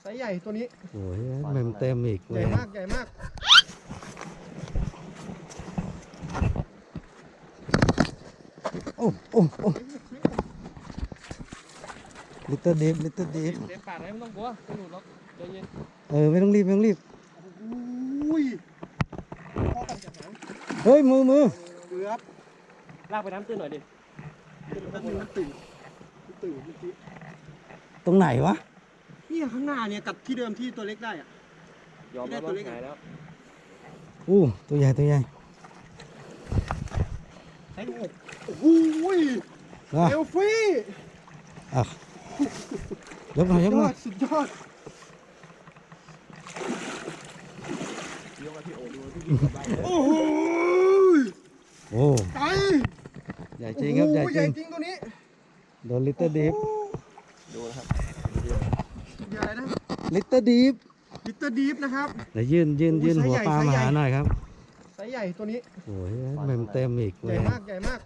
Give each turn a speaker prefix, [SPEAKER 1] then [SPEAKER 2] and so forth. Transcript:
[SPEAKER 1] ไซส์ใหญ่ตัวนี้
[SPEAKER 2] โอ้ยเมมเต็มอีก
[SPEAKER 1] ใหญ่มากใหญ่มาก
[SPEAKER 2] โอ้โอ้โอ้ลิตเติ้ลดิฟลิตเติ้ลดิฟ
[SPEAKER 1] เต็มปากเลยไม่ต้องกลัวไม่หลุดหรอกใจเย็น
[SPEAKER 2] ไม่ต้องรีบไม่ต้องรีบ
[SPEAKER 1] อุ้ยพ่อกันจากหาง
[SPEAKER 2] เฮ้ยมือ
[SPEAKER 1] เกือบลากไปน้ำตื้นหน่อยดิมันตื่นเมื่อกี้
[SPEAKER 2] ตรงไหนวะ
[SPEAKER 1] เนี่ยข้างหน้าเนี่ยกับที่เดิมที่ตัวเล็กได้อะ
[SPEAKER 3] ยอมแล้วว่าหายแล้ว
[SPEAKER 2] อู้ตัวใหญ่ตัวใหญ่
[SPEAKER 1] ไอ้ลูกโอ้โห
[SPEAKER 2] อ่ะ
[SPEAKER 1] เอลฟี่
[SPEAKER 2] อ่ะยกหน่อยยกหน่อย
[SPEAKER 1] สุดยอด
[SPEAKER 3] ยกที่โอ้ดูที่ยิงกับได้
[SPEAKER 1] โอ้โห
[SPEAKER 2] โอ้
[SPEAKER 1] ใจ
[SPEAKER 2] ใหญ่จริงครับใหญ่
[SPEAKER 1] โอ้โให
[SPEAKER 2] จ
[SPEAKER 1] ญ่
[SPEAKER 2] ริง
[SPEAKER 1] จริงตัวนี้
[SPEAKER 2] โดนลิตเติ้ลดิฟ
[SPEAKER 3] ดูนะครับ
[SPEAKER 1] ใหญ่นะ
[SPEAKER 2] ลิตเติ้ลดิฟ
[SPEAKER 1] ลิตเติ้ลดีฟนะครับ
[SPEAKER 2] เดี๋ยวยื่นหัวปลามาหาหน่อยครับ
[SPEAKER 1] ไซส์ใหญ่ตัวนี้
[SPEAKER 2] โอ้ยเมมเต็มอีก
[SPEAKER 1] ใหญ่มากใหญ่มาก